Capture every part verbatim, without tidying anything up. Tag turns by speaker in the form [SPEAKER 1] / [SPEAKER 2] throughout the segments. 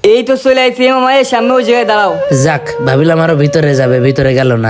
[SPEAKER 1] এই তো চলে আইছি মামা, এই সামনে ওই জায়গায় দাঁড়াও।
[SPEAKER 2] যাক, ভাবিলাম আরো ভিতরে যাবে, ভিতরে গেল না।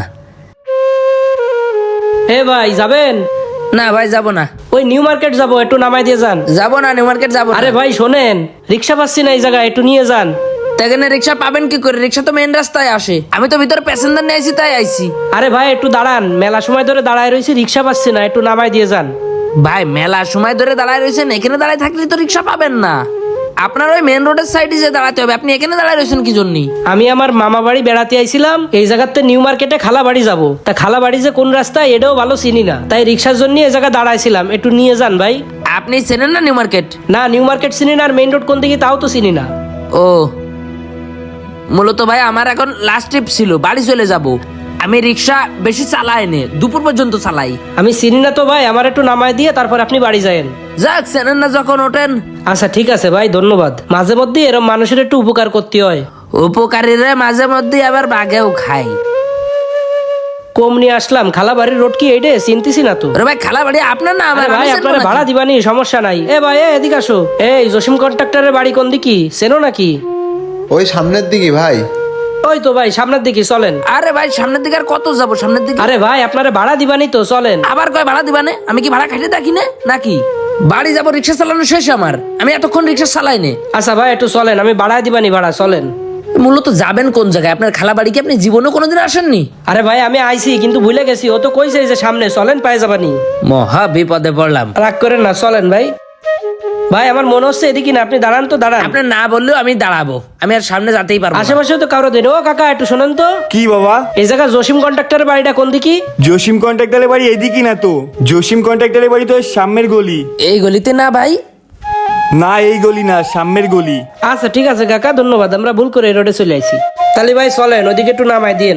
[SPEAKER 3] হে ভাই যাবেন?
[SPEAKER 2] না ভাই যাব না।
[SPEAKER 3] ওই নিউ মার্কেট যাবো, একটু নামাই দিয়ে যান।
[SPEAKER 2] যাব না, নিউ মার্কেট যাব না।
[SPEAKER 3] আরে ভাই শোনেন, রিক্সা পাচ্ছি না এই জায়গায়, একটু নিয়ে যান।
[SPEAKER 2] এখানে রিক্সা পাবেন কি করে? রিক্সা তো মেন রাস্তায় আসে, আমি তো ভিতরে প্যাসেঞ্জার নিয়ে আইছি, তাই আইছি।
[SPEAKER 3] আরে ভাই একটু দাঁড়ান, মেলা সময় ধরে দাঁড়ায় রয়েছি, রিক্সা পাচ্ছি না, একটু নামাই দিয়ে যান।
[SPEAKER 2] ভাই মেলা সময় ধরে দাঁড়ায় রয়েছেন, এখানে দাঁড়ায় থাকলে তো রিক্সা পাবেন না। আপনার ওই মেন রোডের সাইডে যে দাঁড়াতে হবে, আপনি এখানে দাঁড়ায় রয়েছেন কি জন্য?
[SPEAKER 3] আমি আমার মামা বাড়ি বেড়াতে আইছিলাম, এই জায়গাতে নিউ মার্কেটে খালা বাড়ি যাবো। তা খালা বাড়ি যে কোন রাস্তায় এটাও ভালো চিনি না, তাই রিক্সার জন্য এই জায়গা দাঁড়াইছিলাম, একটু নিয়ে যান ভাই।
[SPEAKER 2] আপনি চেনেন না নিউ মার্কেট?
[SPEAKER 3] না, নিউ মার্কেট চিনি না, আর মেইন রোড কোন দিকে তাও তো চিনি না।
[SPEAKER 2] ও মূলত ভাই আমার এখন লাস্ট ট্রিপ ছিল, বাড়ি চলে যাব। আমি রিক্সা বেশি চালাই নে, দুপুর পর্যন্ত চালাই।
[SPEAKER 3] আমি চিনি না তো ভাই, আমার একটু নামাই দিয়ে তারপর আপনি বাড়ি যায়েন।
[SPEAKER 2] যাক, চেনেন না যখন ওঠেন।
[SPEAKER 3] আচ্ছা ঠিক আছে ভাই, ধন্যবাদ। মাঝে মধ্যে এরকম মানুষের একটু উপকার করতে হয়।
[SPEAKER 2] উপকারীরা মাঝে মধ্যে আবার বাঘেও খাই।
[SPEAKER 3] কম নিয়ে আসলাম, খালা বাড়ির রোড কি এইটে চিনতেছি না তো।
[SPEAKER 2] আরে ভাই খালা বাড়ি আপনার না আমার?
[SPEAKER 3] আরে ভাই
[SPEAKER 2] আমি
[SPEAKER 3] আপনারা
[SPEAKER 2] চেনবো নাকি?
[SPEAKER 3] ভাড়া দিবানি, সমস্যা নাই। এ ভাই এ, এদিকে আসো। এই জসিম কন্ট্রাক্টরের বাড়ি কোন দিকে চেনো নাকি?
[SPEAKER 4] ওই সামনের দিকে ভাই।
[SPEAKER 3] ওই তো ভাই সামনের দিকে, চলেন।
[SPEAKER 2] আরে ভাই সামনের দিকে আর কত যাবো? সামনের দিকে
[SPEAKER 3] আরে ভাই আপনারা ভাড়া দিবানি তো, চলেন।
[SPEAKER 2] আবার কয় ভাড়া দিবানে? আমি কি ভাড়া খাইতে থাকি না নাকি? বাড়ি যাবো, রিক্সা চালানো শেষ আমার, আমি এতক্ষণ রিক্সা চালাই নে।
[SPEAKER 3] আচ্ছা ভাই একটু চলেন, আমি ভাড়া দিবানি, ভাড়া চলেন।
[SPEAKER 2] মূলত যাবেন কোন জায়গায়? আপনার খালা বাড়ি কি আপনি জীবনেও কোনোদিন আসেননি?
[SPEAKER 3] আরে ভাই আমি আইছি কিন্তু ভুলে গেছি, ও তো কইছে যে সামনে, চলেন পায়ে যাবানি।
[SPEAKER 2] মহা বিপদে পড়লাম।
[SPEAKER 3] রাগ করেন না, চলেন ভাই। ভাই আমার মনে হচ্ছে এদিকে না, আপনি দাঁড়ান তো, দাঁড়ান।
[SPEAKER 2] আপনি না বললেও আমি দাঁড়াবো, আমি আর সামনে যেতেই পারবো না।
[SPEAKER 3] আশেপাশে তো কারো দেন। ও কাকা একটু শোনেন তো,
[SPEAKER 5] কি বাবা?
[SPEAKER 3] এই জায়গা জসিম কন্ট্রাক্টরের বাড়িটা কোন দিকে?
[SPEAKER 5] জসিম কন্ট্রাক্টরের বাড়ি এদিকে না তো, জসিম কন্ট্রাক্টরের বাড়ি তো সামনের গলি।
[SPEAKER 2] এই গলিতে না ভাই?
[SPEAKER 5] না এই গলি না, সামনের গলি।
[SPEAKER 3] আচ্ছা ঠিক আছে কাকা, ধন্যবাদ, আমরা ভুল করে এই রোডে চলে আইছি। তাহলে ভাই চলেন, ওইদিকে একটু নামাই দিন।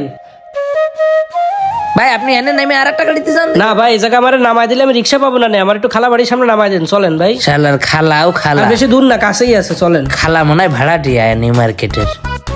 [SPEAKER 2] ভাই আপনি এনে নেমে আর একটা গাড়িতে যান।
[SPEAKER 3] না ভাই এই জায়গা আমার নামাই দিলে আমি রিক্সা পাবো না, আমার একটু খালা বাড়ির সামনে নামাই দেন, চলেন ভাই।
[SPEAKER 2] শালার খালাও খালা,
[SPEAKER 3] আর বেশি দূর না, কাছেই আছে, চলেন।
[SPEAKER 2] খালা মনে হয় ভাড়া দিয়ে নিউ মার্কেটের।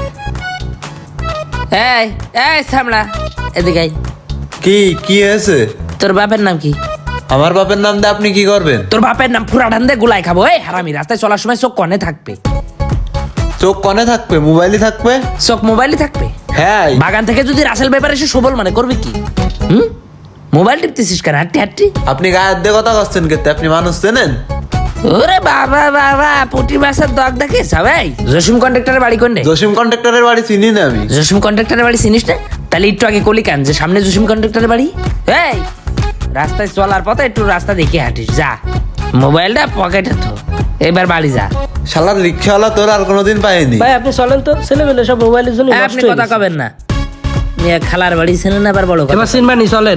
[SPEAKER 2] এই এই সামলা, এদিকে আয়।
[SPEAKER 4] কি কি হয়েছে?
[SPEAKER 2] তোর বাপের নাম কি?
[SPEAKER 4] আমার বাপের নাম দিয়ে আপনি কি করবেন?
[SPEAKER 2] তোর বাপের নাম ফুরা ঢান্দে গুলাই খাবো। এই হারামি, রাস্তায় চলার সময় চোখ কনে থাকবে।
[SPEAKER 4] চোখ কনে থাকবে, মোবাইলই থাকবে।
[SPEAKER 2] চোখ মোবাইলই থাকবে?
[SPEAKER 4] হ্যাঁ।
[SPEAKER 2] বাগান থেকে যদি রাসেল ব্যাপারে এসে সবল মানে করবে কি? হুম, মোবাইল টিপতেছিস কেন? হাঁটটি হাঁটটি।
[SPEAKER 4] আপনি গায়ের দিয়ে কথা করছেন কেতে? আপনি মানুষ চেনেন?
[SPEAKER 2] ওরে বাবা বাবা, পুটি মাছের দগ দেখিস সবাই। জসিম কন্ট্রাক্টরের বাড়ি কোন রে?
[SPEAKER 4] জসিম কন্ট্রাক্টরের বাড়ি চিনি না আমি।
[SPEAKER 2] জসিম কন্ট্রাক্টরের বাড়ি চিনিস না? তাহলে একটু আগে কলি কান যে সামনে জসিম কন্ট্রাক্টরের বাড়ি। এই রাস্তায় চলার পথে একটু রাস্তা দেখে হাঁটিস, যা। মোবাইলটা পকেটে থো, এবার বাড়ি যা।
[SPEAKER 4] শালার রিক্সাওয়ালা তোর আর কোনোদিন পাইনি।
[SPEAKER 3] ভাই আপনি চলেন তো, ছেলেমেলে সব মোবাইলের জন্য
[SPEAKER 2] এই,
[SPEAKER 3] নষ্ট
[SPEAKER 2] আপনি
[SPEAKER 3] হয়ে
[SPEAKER 2] কথা
[SPEAKER 3] গেছে।
[SPEAKER 2] কবেন না। মেয়ে খালার বাড়ি ছিলেন না, আবার বড় কথা।
[SPEAKER 3] এবার চিনবানি, চলেন।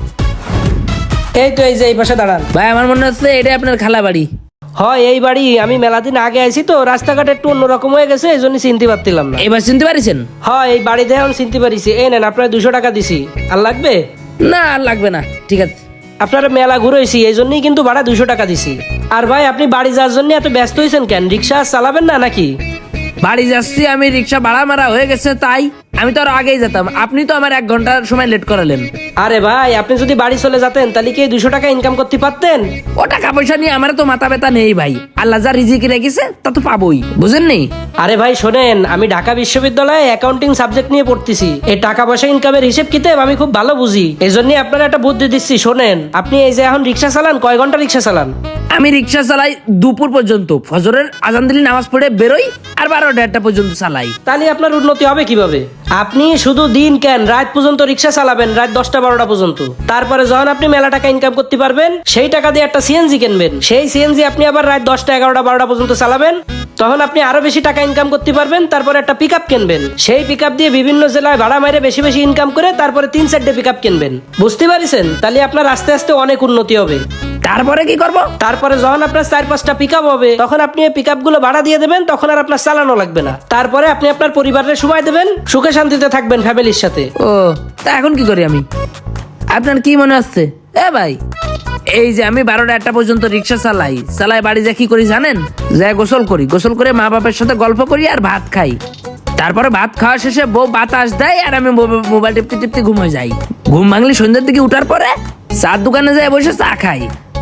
[SPEAKER 3] এই তো এই যে এই পাশে দাঁড়ান।
[SPEAKER 2] ভাই আমার মনে হচ্ছে এটা আপনার খালা বাড়ি।
[SPEAKER 3] হয় এই বাড়ি, আমি মেলা দিন আগে আইছি তো, রাস্তাঘাট একটু অন্যরকম হয়ে গেছে, এই জন্য চিনতে পারছিলাম না।
[SPEAKER 2] এবার চিনতে পারিছেন?
[SPEAKER 3] হয় এই বাড়িতে এখন চিনতে পারিছি। এই নেন আপনার দুশো টাকা দিছি, আর লাগবে?
[SPEAKER 2] না আর লাগবে না, ঠিক আছে।
[SPEAKER 3] আপনারা মেলা ঘুরেছি, এই জন্যই কিন্তু ভাড়া দুশো টাকা দিছি। আর ভাই আপনি বাড়ি যাওয়ার জন্য এত ব্যস্ত হয়েছেন কেন? রিক্সা চালাবেন না নাকি?
[SPEAKER 2] বাড়ি যাচ্ছি আমি, রিক্সা ভাড়া মারা হয়ে গেছে, তাই আমি তো আরো আগেই যেতাম। আপনি তো আমার এক ঘন্টার সময় লেট করালেন।
[SPEAKER 3] আরে ভাই আপনি যদি বাড়ি চলে যেতেন তাহলে কি দুশো টাকা ইনকাম করতে পারতেন?
[SPEAKER 2] ও টাকা পয়সা নিয়ে আমার তো মাথা ব্যথা নেই ভাই, আল্লাহ যা রিজিকে রেখেছে তা তো পাবোই, বুঝেন নি?
[SPEAKER 3] আরে ভাই শোনেন, আমি ঢাকা বিশ্ববিদ্যালয়ে অ্যাকাউন্টিং সাবজেক্ট নিয়ে পড়তেছি, এই টাকা পয়সা ইনকামের হিসেব কিতাব আমি খুব ভালো বুঝি। এই জন্যই আপনারা একটা বুদ্ধি দিচ্ছি, শোনেন। আপনি এই যে এখন রিক্সা চালান, কয় ঘন্টা রিক্সা চালান?
[SPEAKER 2] আমি রিক্সা চালাই দুপুর পর্যন্ত, ফজরের আজান দিলে নামাজ পড়ে বেরোই, আর বারো দেড়টা পর্যন্ত চালাই।
[SPEAKER 3] তাহলে আপনার উন্নতি হবে কিভাবে? আপনি শুধু দিন কেন রাত পর্যন্ত রিক্সা চালাবেন, রাত দশটা বারোটা পর্যন্ত। তারপরে যখন আপনি মেলা টাকা ইনকাম করতে পারবেন, সেই টাকা দিয়ে একটা সিএনজি কিনবেন, সেই সিএনজি আপনি আবার রাত দশটা এগারোটা বারোটা পর্যন্ত চালাবেন, তখন আপনি আরো বেশি টাকা ইনকাম করতে পারবেন। তারপরে একটা পিক আপ কিনবেন, সেই পিক আপ দিয়ে বিভিন্ন জেলায় ভাড়া মাইরে বেশি বেশি ইনকাম করে তারপরে তিন চারটে পিক আপ কিনবেন। বুঝতে পারছেন? তাহলে আপনার আস্তে আস্তে অনেক উন্নতি হবে।
[SPEAKER 2] তারপরে কি করব?
[SPEAKER 3] তারপরে যখন আপনার চার পাঁচটা পিক আপ হবে, তখন আপনি এই পিক আপ গুলো ভাড়া দিয়ে দেবেন, তখন আর আপনার চালানো লাগবে না। তারপরে আপনি আপনার পরিবারের সময় দেবেন, সুখে শান্তিতে থাকবেন ফ্যামিলির সাথে।
[SPEAKER 2] ও তা এখন কি করি আমি? আপনার কি মনে হচ্ছে? এ ভাই, এই যে আমি বারোটা একটা পর্যন্ত রিক্সা চালাই, চালাই বাড়ি যা কি করি জানেন? যা গোসল করি, গোসল করে মা বাবার সাথে গল্প করি আর ভাত খাই। তারপরে ভাত খাওয়া শেষে বউ বাতাস দেয় আর আমি মোবাইল টিপতে টিপতে ঘুমে যাই। ঘুম ভাঙলে সন্ধ্যার দিকে উঠার পরে চার দোকানে যাই বসে চা খাই।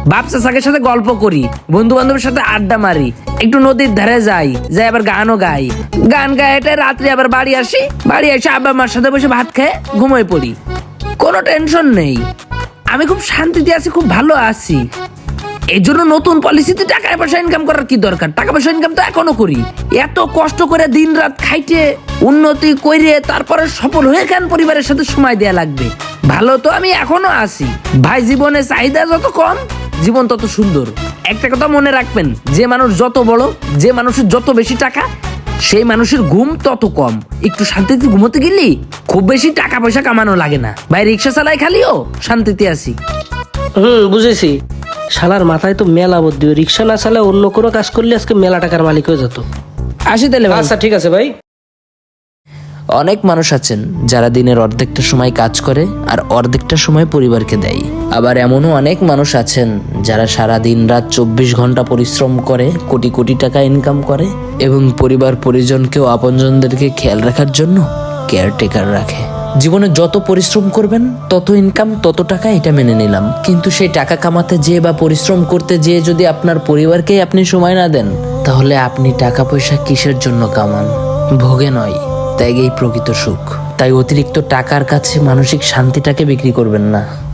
[SPEAKER 2] বাপ চাচাকের সাথে গল্প করি, বন্ধু বান্ধবের সাথে আড্ডা মারি, একটু নদীর ধারে যাই, যাই আবার গানও গাই, গান গাই এটা রাত্রে আবার বাড়ি আসি, বাড়ি এসে আব্বা মার সাথে বসে ভাত খেয়ে ঘুমিয়ে পড়ি। কোনো টেনশন নেই, আমি খুব শান্তিতে আছি, খুব ভালো আছি। এই জন্য নতুন পলিসিতে টাকা পয়সা ইনকাম করার কি দরকার? টাকা পয়সা ইনকাম তো এখনো করি। এত কষ্ট করে দিন রাত খাইতে উন্নতি করে তারপরে সফল হয়ে কেন পরিবারের সাথে সময় দেয়া লাগবে? ভালো তো আমি এখনো আছি ভাই। জীবনে চাহিদা যত কম, জীবন তত সুন্দর। একটা কথা মনে রাখবেন, যে মানুষ যত বড়, যে মানুষের যত বেশি টাকা, সেই মানুষের ঘুম তত কম। একটু শান্তিতে ঘুমোতে গেলি খুব বেশি টাকা পয়সা কামানো লাগে না ভাই। রিক্সা চালাই খালিও শান্তিতে আছি।
[SPEAKER 3] হুম, বুঝেছি। শালার মাথায় তো মেলা বুদ্ধি, রিক্সা না চালে অন্য কোনো কাজ করলে আজকে মেলা টাকার মালিক হয়ে যেত।
[SPEAKER 2] আসি তাহলে ভাই।
[SPEAKER 3] আচ্ছা ঠিক আছে ভাই।
[SPEAKER 2] অনেক মানুষ আছেন যারা দিনের অর্ধেকটা সময় কাজ করে আর অর্ধেকটা সময় পরিবারকে দেয়। আবার এমনও অনেক মানুষ আছেন যারা সারা দিন রাত চব্বিশ ঘন্টা পরিশ্রম করে কোটি কোটি টাকা ইনকাম করে এবং পরিবার পরিজনকেও আপনজনদেরকে খেয়াল রাখার জন্য কেয়ারটেকার রাখে। জীবনে যত পরিশ্রম করবেন তত ইনকাম তত টাকা, এটা মেনে নিলাম। কিন্তু সেই টাকা কামাতে যেয়ে বা পরিশ্রম করতে যেয়ে যদি আপনার পরিবারকেই আপনি সময় না দেন, তাহলে আপনি টাকা পয়সা কিসের জন্য কামান? ভোগে নয়, ত্যাগেই প্রকৃত সুখ। তাই অতিরিক্ত টাকার কাছে মানসিক শান্তিটাকে বিক্রি করবেন না।